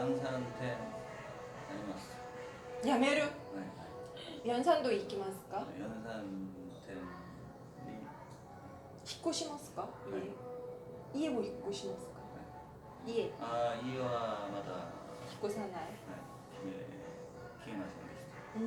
양산한테 아니마스. 辞める 네. 연산도行きますか 연산한테 引っ越しますか 네. 家も引っ越しますか家引っ 아 이와 마다 越さない 기회만 생겼어.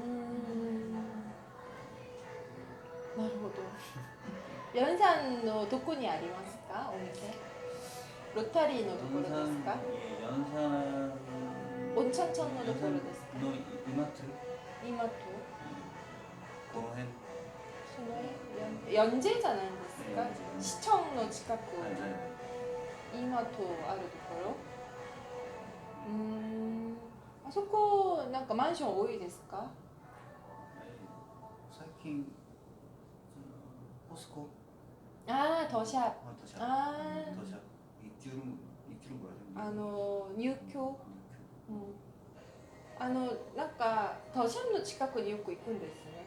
なるほど연산のどこにありますかお店ロッタリーのところですか 연산 온천천のところですか 너 이마트 今と 공hen その연제じゃないですか 네. 市町の近く 네. 今とあるところあそこなんかマンション多いですか最近 포스코 ああ도샵 더샵 아 더샵 입주를 뭐라 하죠? 入居なんか도샵の近くによく行くんですね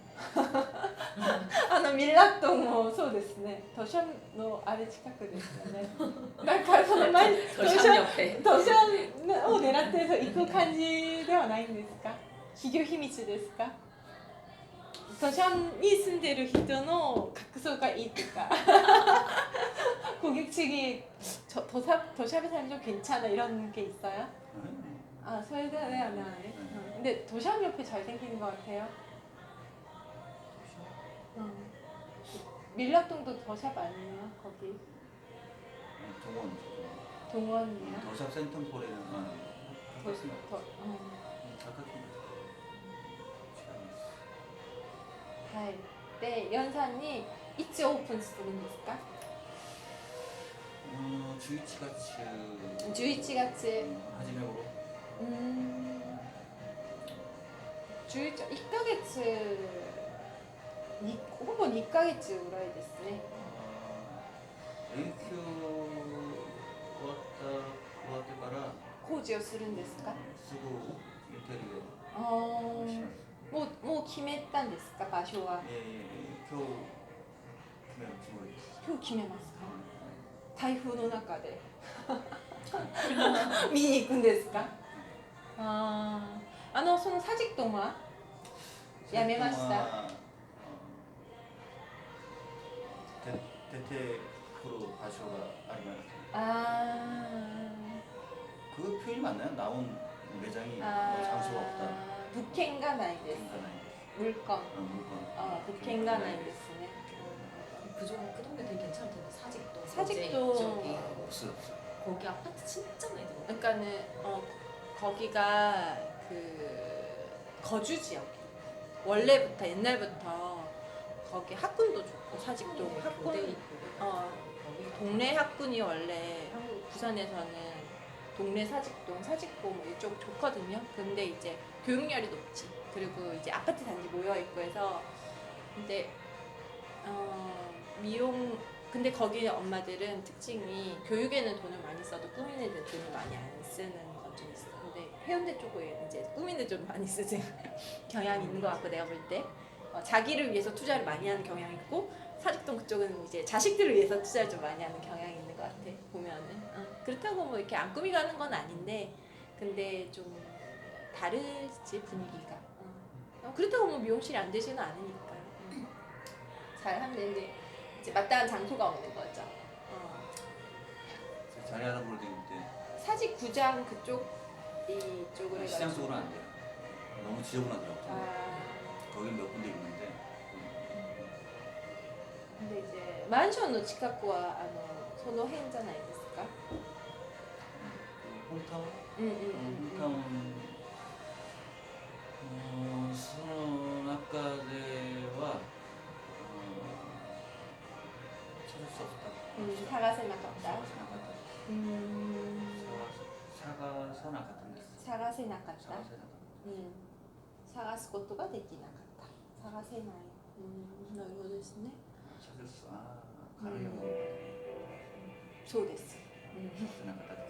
ミラットもそうですね도샵のあれ近くですよねなんかその前 도샵 옆에 도샵を狙って行く感じではないんですか企業秘密ですか도샵に住んでる人の格層がいいとか고객층이 도샵에 살면 좀 괜찮아 이런 게 있어요? 아, 설레네 안 하네. 근데 도샵 옆에 잘생긴 것 같아요. 밀락동도 도샵 아니에요? 거기 동원 동원이에요? 더샵 센텀폴에는 가깝습니다. 가깝습니다. はい。で、연산이いつオープンするんですか? 11月 11月初め頃 11 1ヶ月にほぼ2ヶ月ぐらいですね。 連休終わってから工事をするんですか? すぐインテリアあします。 もう決めたんですか場所は? 今日決めるつもりです。 今日決めますか? 台風の中で見に行くんですか? その사직동はやめました? 대퇴로場所が 그 표현이 맞나요? 나온 매장이 장소가 없다. 物件がないです. 물건.物件がないですね. 그 동네 되게 괜찮을 텐데 사직동 사직동 없어요. 거기 아파트 진짜 많이 들어. 그러니까는 거기가 그 거주 지역. 원래부터 옛날부터 거기 학군도 좋고 사직동 학군 동네 학군이 원래 한국 부산에서는 동네 사직동 이쪽 좋거든요. 근데 이제 교육열이 높지. 그리고 이제 아파트 단지 모여 있고 해서 근데 근데 거기 엄마들은 특징이 교육에는 돈을 많이 써도 꾸미는 데 돈을 많이 안 쓰는 건 좀 있어. 근데 해운대 쪽에 이제 꾸미는 좀 많이 쓰는 경향이 있는 것 같고 내가 볼 때 자기를 위해서 투자를 많이 하는 경향이 있고 사직동 그쪽은 이제 자식들을 위해서 투자를 좀 많이 하는 경향이 있는 것 같아 보면은 그렇다고 뭐 이렇게 안 꾸미가는 건 아닌데 근데 좀 다르지 분위기가 그렇다고 뭐 미용실이 안 되지는 않으니까 잘 하면 되는데 이제 마땅한 장소가 없는 거죠. 자리 알아보러 다닐 때 사직구장 그쪽 이쪽으로 해가지고 시장 쪽으로는 안 돼요. 너무 지저분하더라고요. 거기 몇 군데 있는데 근데 이제 만션の近くはその辺じゃないですか? 홈타운? 홈타운. 수학과대와 찾을 수 없다. 사가세나갔다. 사가사나갔던데. 사가세나갔다. 探すことができなかった。探せない。なるほどですね。 찾을 수 가려고. そうです。 사가세나갔다です。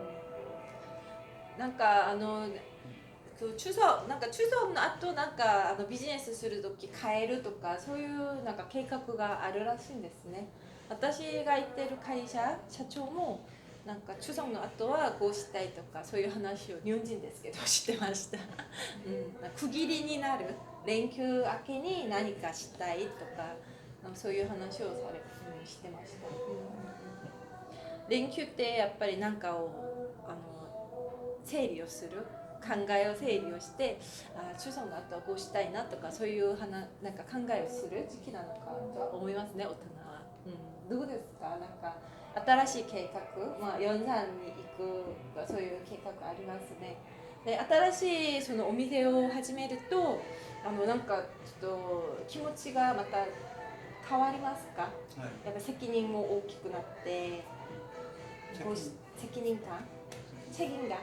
なんか그 추석 추석の後なんかビジネスするとき変えるとかそういうなんか計画があるらしいんですね。私が行ってる会社社長もなんか추석の後はこうしたいとかそういう話を日本人ですけどしてました。区切りになる連休明けに何かしたいとかそういう話をしてました。連休ってやっぱり何かを整理をする。考えを整理をして추석の後はこうしたいなとかそういうなんか考えをする時期なのかとは思いますね、大人は。どうですか？なんか新しい計画、ヨンサンに行くとかそういう計画ありますね。で新しいそのお店を始めるとなんかちょっと気持ちがまた変わりますか？やっぱ責任も大きくなって責任感책임감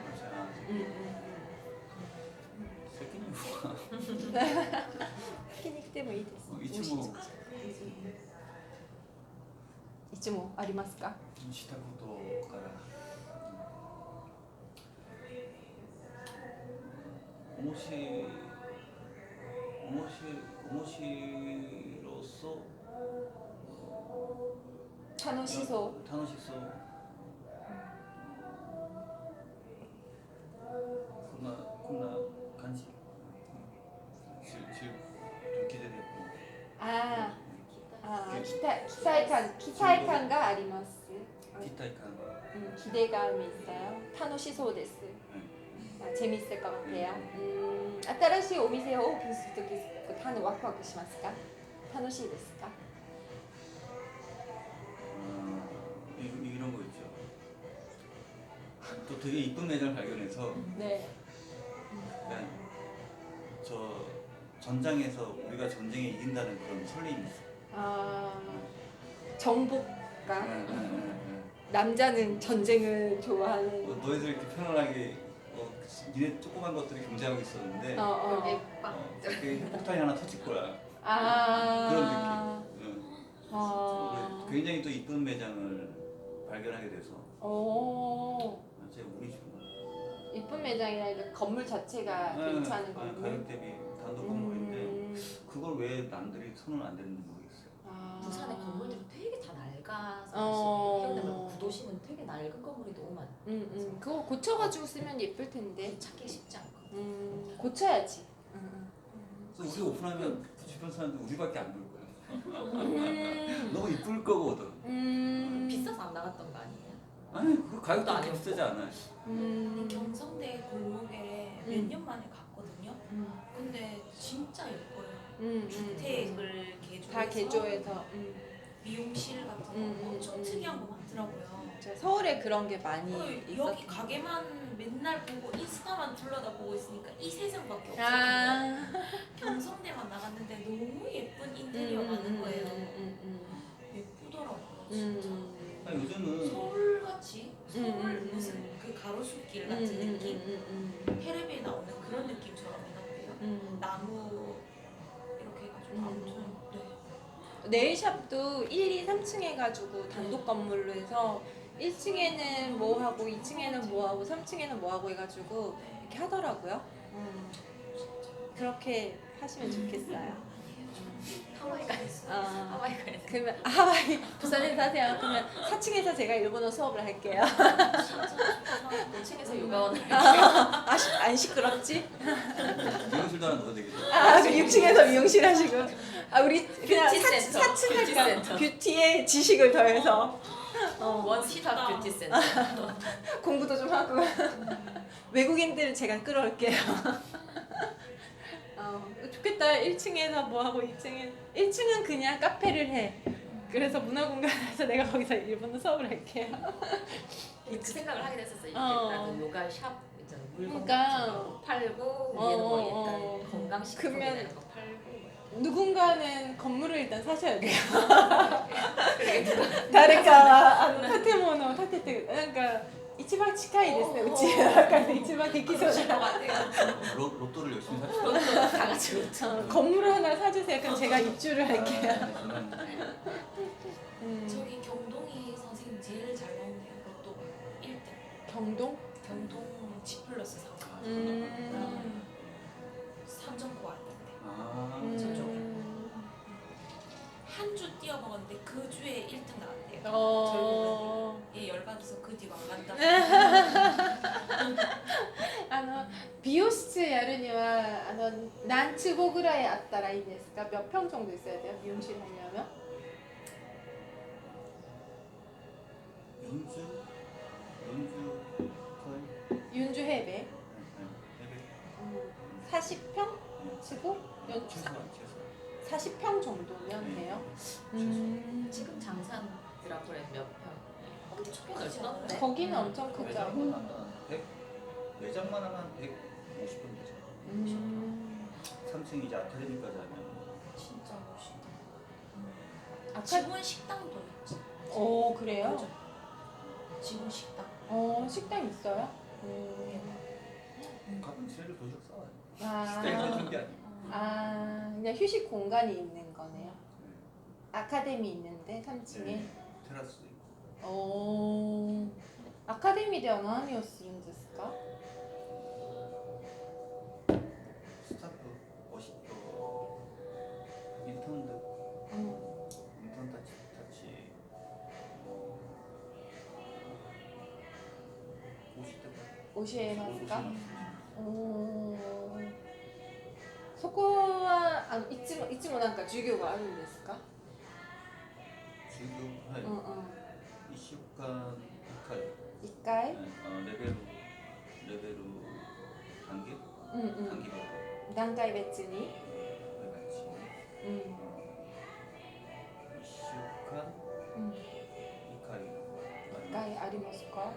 責任は聞きに来てもいいです。一問ありますか？ したことから面白そう。 楽しそう。こんな感じ。좀 기대되고. 期待感があります。 期待感. 기대감이 있어요. 楽しそうです. 재밌을 것 같아요. 新しいお店をオープンするときワクワクしますか？楽しいですか？ 이런 거 있죠. 또 되게 이쁜 매장을 발견해서 네. 저 전장에서 우리가 전쟁에 이긴다는 그런 설렘이 있어. 정복감. 남자는 전쟁을 좋아하는. 너희들 이렇게 편안하게 니네 조그만 것들이 경쟁하고 있었는데 여기 빡 이렇게 폭탄이 하나 터질 거야. 그런 느낌. 굉장히 또 이쁜 매장을 발견하게 돼서. 제가 운이 좋은 거. 이쁜 매장이라 건물 자체가 괜찮은 건물. 가격 대비 단독 건물인데 그걸 왜 남들이 손을 안 대는지 모르겠어요. 부산의 건물들이 되게 다 낡아서 해운대 말고 구도심은 되게 낡은 건물이 너무 많아. 그거 고쳐가지고 쓰면 예쁠 텐데. 찾기 쉽지 않고. 고쳐야지. 그래서 우리 오픈하면 주변 사람들 우리밖에 안 볼 거야. 너무 이쁠 거거든. 비싸서 안 나갔던 거 아니에요? 아니 그 가격도 아니고 비싸지 않아요. 경성대 골목에 몇 년 만에 갔거든요. 근데 진짜 예뻐요. 주택을 개조해서 다 개조해서. 미용실 같은 거 엄청 특이한 거 많더라고요. 서울에 그런 게 많이 여기 있었어요. 가게만 맨날 보고 인스타만 둘러다보고 있으니까 이 세상밖에 없었거든요. 경성대만 나갔는데 너무 예쁜 인테리어 많은 거예요. 예쁘더라고요 진짜. 요즘은 서울같이 서울 무슨 그 가로수길 같은 느낌? 텔레비에 나오는 그런 느낌처럼 해놨대요. 나무 이렇게 해가지고 아무튼 네일샵도 1, 2, 3층 해가지고 단독 건물로 해서 1층에는 뭐 하고 2층에는 뭐 하고 3층에는 뭐 하고 해가지고 이렇게 하더라고요. 그렇게 하시면 좋겠어요. 하와이 가야지. 하와이 가야지. 그러면 하와이 부산에 사세요. 그러면 4층에서 제가 일본어 수업을 할게요. 5층에서 요가원을 안 시끄럽지? 미용실도 하나 넣어야 되겠죠. 그 6층에서 미용실 하시고 우리 그냥 뷰티센터. 4층 할까? 뷰티센터. 뷰티에 지식을 더해서 원스톱 뷰티 센터. 공부도 좀 하고 외국인들 제가 끌어올게요. 좋겠다. 1층에서 뭐 하고 1층은 그냥 카페를 해. 그래서 문화공간에서 내가 거기서 일본어 수업을 할게요. 그 생각을 하게 됐었어요. 나도 요가 샵 있잖아. 물건 그러니까. 같은 거 팔고 위에는 뭐 약간 건강식품 그러면 이런 거 팔고. 누군가는 건물을 일단 사셔야 돼요. 다르까 타테모노 타테테 그러니까 이치방 치카이ですね. 우치가 이치방 데키소다. 로또를 열심히 삽시다. 다 같이 로또. 건물을 하나 사주세요. 그럼 제가 입주를 할게요. 저기 경동이 선생님 제일 잘 나오네요. 로또가 1등. 경동? 경동 G 플러스 상가. 삼정포 왔는데 저쪽에 한 주 뛰어먹었는데 그 주에 1등 나왔대요. 결국은 얘 열받아서 그 뒤로 안 간다. 美容室やるには何坪ぐらいあったらいいですか? 몇 평 정도 있어야 돼요? 미용실 하려면? 윤주 해배. 40평 치고 최소한 40평 정도면 돼요. 지금 장산 드라프레 몇 평? 엄청 넓던데. 거기는 엄청 크죠. 매장만 하면 150분 되죠. 3층 이제 아카데미까지 하면 진짜 멋있다. 아까 직원 식당도 있지. 오 그래요? 그죠? 직원 식당. 식당 있어요? 가끔 집에도 도시락 싸와요. 아, 식당에서 준게 아니고. 그냥 휴식 공간이 있는 거네요. 아카데미 있는데 3층에. 테라스도 있고. アカデミーでは何をするんですか? 스타프 멋있고 인턴들 인턴 타치 教えますか? そこはいつもなんか授業があるんですか? 지금 한 1週間 1回? 레벨로 단계? うんうん 단계별로 段階別に? 같이 1週間 2回ありますか?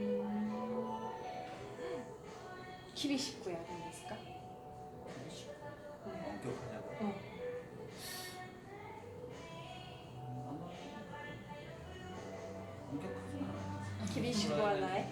厳しくやるんですか? 엄격하냐고? 엄격하진 않아요. 厳しくはない?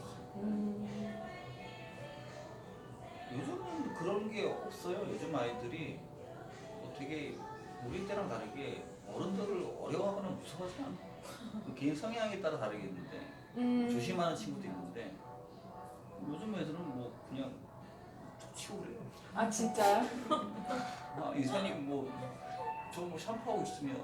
요즘은 그런 게 없어요. 요즘 아이들이 되게 우리 때랑 다르게 어른들을 어려워하거나 무서워하지 않아. 개인 성향에 따라 다르겠는데 조심하는 친구도 있는데 요즘 애들은 뭐 그냥 툭 치고 그래요. 아 진짜요? 이사님 저 샴푸하고 있으면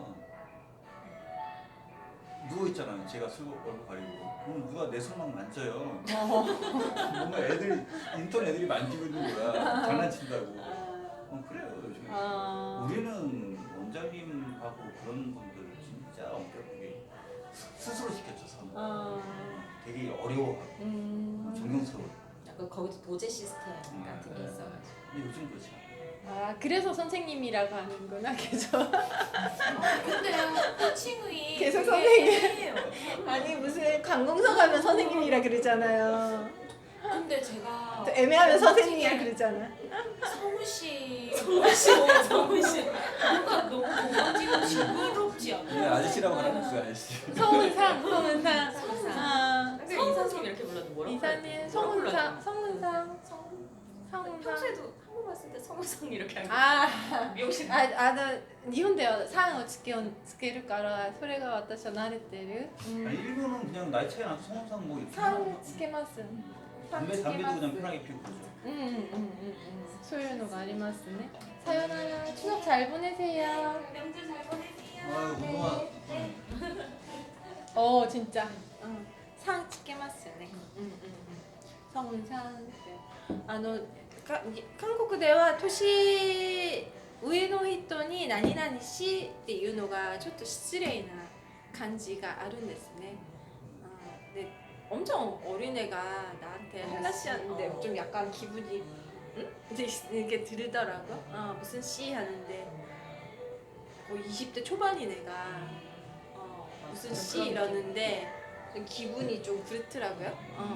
누워 있잖아요. 제가 술 얼굴 가리고 그럼 누가 내 손 막 만져요. 뭔가 인턴 애들이 만지고 있는 거야. 장난친다고. 그래요 요즘에. 우리는 원장님하고 그런 분들 진짜 엄격하게 스스로 시켰죠. 되게 어려워하고 존경스러워. 약간 거기도 도제 시스템 같은 게 있어가지고. 근데 요즘 그렇지 않아. 그래서 선생님이라고 하는구나 계속. 근데요 코칭이 계속 되게 선생님. 애매해요. 아니 무슨 관공서 가면 선생님이라 그러잖아요. 근데 제가 또 애매하면 선생님이라 그러잖아. 성우 씨 뭔가 너무 고만지고 징그럽지 않아요? 그냥 아저씨라고 하라는 그 아저씨. 성은상. 근데 이사님 이렇게 불러도 뭐라고? 이사님 성은상. 평소에도 한국 왔을 때 성우상 이렇게 하고 미용실 日本ではさんをつけるからそれが私は慣れてる. 아니, 일본은 그냥 나이 차이 나서 성우상 뭐 이렇게 さんつけます. 담배도 그냥 편하게 피우고 그러죠. そういうのがありますね. 사요나라 추석 잘 보내세요. 명절 잘 보내세요. 아유 그동안 진짜. 상つけますよね. 성운상. 韓国では年上の人に何々しっていうのがちょっと失礼な感じがあるんですね. 근데 엄청 어린애가 나한테 하나씩 하는데 좀 약간 기분이 이렇게 들더라고. 무슨 씨 하는데 20대 초반인 애가 무슨 씨 이러는데 기분이 좀 그렇더라고요.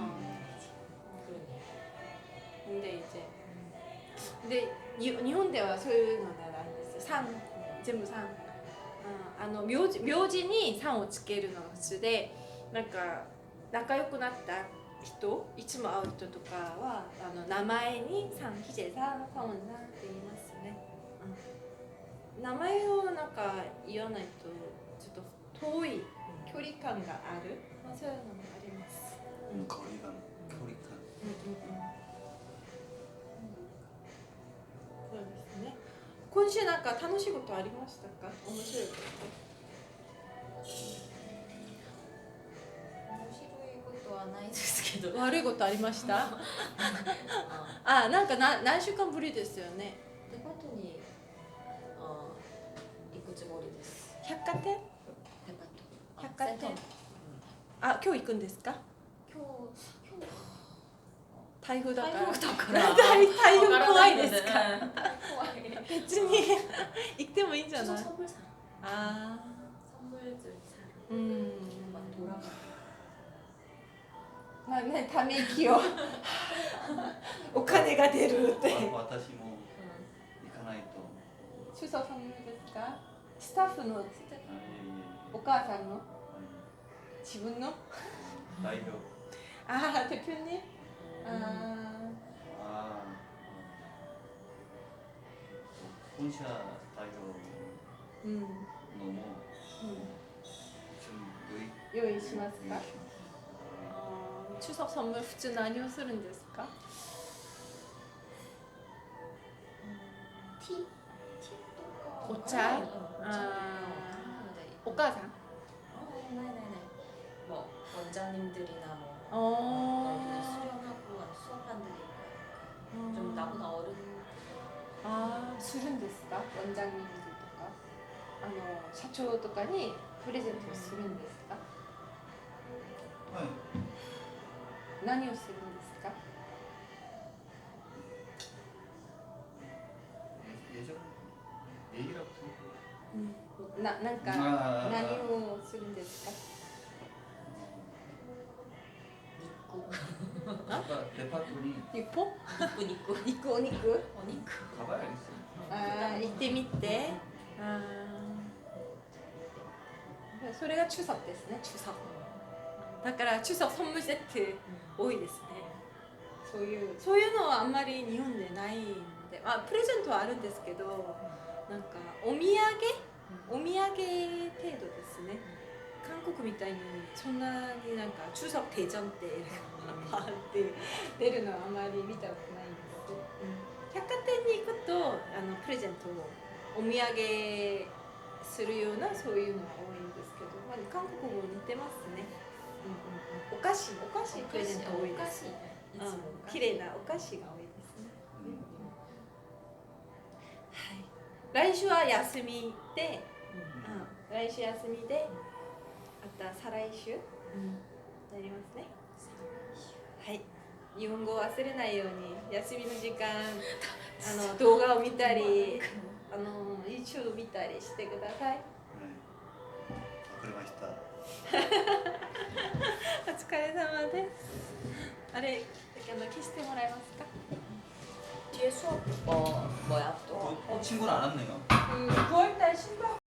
근데 日本ではそういうのがないんですよ。全部3。名字に3をつけるのが普通で、なんか仲良くなった人、いつも会う人とかは名前に3、ヒジェさん、サオンさんって言いますね。名前をなんか言わないとちょっと遠い距離感がある。そういうのもあります。 거리감, 교리감. そうですね。今週なんか楽しいことありましたか？面白いこと。面はないですけど悪いことありました？ ああ、なんか何週間ぶりですよね。 デパートに行くつもりです。 百貨店？ デパート百貨店セントルあ、今日行くんですか？ 今日台風だから。 台風だから台風怖いですか？ 怖い別に行ってもいいんじゃない？ 선물 사 あ 선물들 사 ー、うん。 막 돌아가 ため息をお金が出るって私も行かないと。 추석 선물ですか？スタッフのあいえいお母さんのえ自分の代表。 ああ대표님あああ。本社代表ーうんのも좀 用意しますか？ 用意します。 추석 선물普通何をするんですか？ 티? 티 お茶?お母さん? 네네네. 뭐 원장님들이나 뭐 어. 수련하고 수업한 들 있고 좀 나보다 어른 아, するんですか？원장님들とか社長とかにプレゼントをするんですか？ はい。 何をするんですか？ 예전 얘기라고 생각. なんかあー何をするんですか？ 믿고 데파토니 日本？ 믿고 肉お肉？ 어니크 가봐야 알겠어요. あー行ってみて。あーそれが추석ですね。추석。だから추석 선물セット多いですね。そういうのはあんまり日本でないんで、プレゼントはあるんですけど、なんかお土産程度ですね。韓国みたいにそんなになんか추석 대전ってパーって出るのはあんまり見たことないんです。百貨店に行くとプレゼントをお土産するようなそういうのは多いんですけど、韓国も似てますね。お菓子プレゼント多いです。綺麗なお菓子が多いですね。はい。来週は休みで、来週休みで、また再来週なりますね。はい。日本語を忘れないように休みの時間動画を見たりYouTube 見たりしてください。 네. 아, 그래 맛있다. お疲れ様です。あれ消してもらえますか？ 뒤에 수업 뭐야 또 친구는 안 왔네요. 9월달 신박